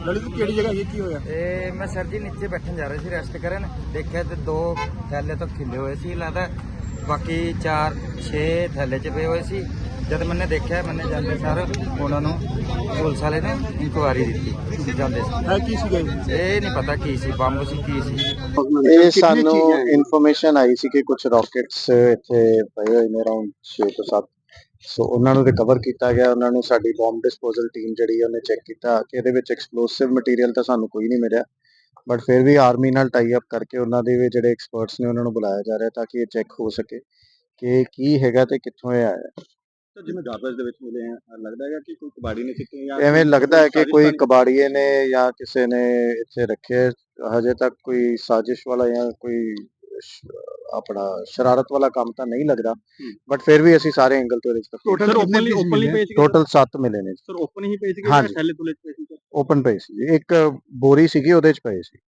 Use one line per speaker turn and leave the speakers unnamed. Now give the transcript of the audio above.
ललित केड़ी जगह ये की होया?
मैं सर जी नीचे बैठन जा रहे थे रेस्ट करन, देखा तो 2 थैले तो खिले हुए सी लगता, बाकी 4-6 थैले च पे हुए सी। जब मैंने देखा मैंने जाते सर उन्होंने पुलिस वाले ने इंक्वायरी दी जाते
है की सी गई?
ये नहीं पता की सी, बंब सी की सी।
ਇਹ ਸਾਨੂੰ ਇਨਫੋਰਮੇਸ਼ਨ ਆਈ ਸੀ ਕਿ ਕੁਝ ਰਾਕਟਸ ਇੱਥੇ ਪਏ ਹੋਏ ਨੇ ਅਰਾਊਂਡ 6 ਤੋਂ 7 ਸੋ ਉਹਨਾਂ ਨੂੰ ਰਿਕਵਰ ਕੀਤਾ ਗਿਆ। ਉਹਨਾਂ ਨੂੰ ਸਾਡੀ ਬੰਬ ਡਿਸਪੋਜ਼ਲ ਟੀਮ ਜਿਹੜੀ ਹੈ ਉਹਨੇ ਚੈੱਕ ਕੀਤਾ ਕਿ ਇਹਦੇ ਵਿੱਚ ਐਕਸਪਲੋਸਿਵ ਮਟੀਰੀਅਲ ਤਾਂ ਸਾਨੂੰ ਕੋਈ ਨਹੀਂ ਮਿਲਿਆ, ਬਟ ਫਿਰ ਵੀ ਆਰਮੀ ਨਾਲ ਟਾਈ ਅਪ ਕਰਕੇ ਉਹਨਾਂ ਦੇ ਵੀ ਜਿਹੜੇ ਐਕਸਪਰਟਸ ਨੇ ਉਹਨਾਂ ਨੂੰ ਬੁਲਾਇਆ ਜਾ ਰਿਹਾ ਤਾਂ ਕਿ ਇਹ ਚੈੱਕ ਹੋ ਸਕੇ ਕਿ ਕੀ ਹੈਗਾ ਤੇ ਕਿੱਥੋਂ ਇਹ ਆਇਆ।
ਜਿਵੇਂ ਗਾਰਬੇਜ ਦੇ ਵਿੱਚ ਮਿਲੇ ਆ, ਲੱਗਦਾ ਹੈਗਾ ਕਿ ਕੋਈ ਕਬਾੜੀ ਨੇ ਸਿੱਟੇ ਜਾਂ
ਐਵੇਂ ਲੱਗਦਾ ਹੈ ਕਿ ਕੋਈ ਕਬਾੜੀਏ ਨੇ ਜਾਂ ਕਿਸੇ ਨੇ ਇੱਥੇ ਰੱਖੇ। ਹਜੇ ਤੱਕ ਕੋਈ ਸਾਜ਼ਿਸ਼ ਵਾਲਾ ਜਾਂ ਕੋਈ ਆਪਣਾ ਸ਼ਰਾਰਤ ਵਾਲਾ ਕੰਮ ਤਾਂ ਨਹੀਂ ਲੱਗਦਾ, ਬਟ ਫਿਰ ਵੀ ਅਸੀਂ ਸਾਰੇ ਐਂਗਲ ਤੋਂ
ਟੋਟਲ ਓਪਨਲੀ ਪੇਜ
ਟੋਟਲ 7 ਮਿਲੇ ਨੇ
ਸਰ। ਓਪਨ ਹੀ ਪੇਜ
ਹਾਂਜੀ।
ਥੈਲੇ ਤੁਲੇ ਪਏ ਸੀ?
ਓਪਨ ਪਏ ਸੀ, ਇੱਕ ਬੋਰੀ ਸੀਗੀ ਉਹਦੇ ਚ ਪਏ ਸੀ।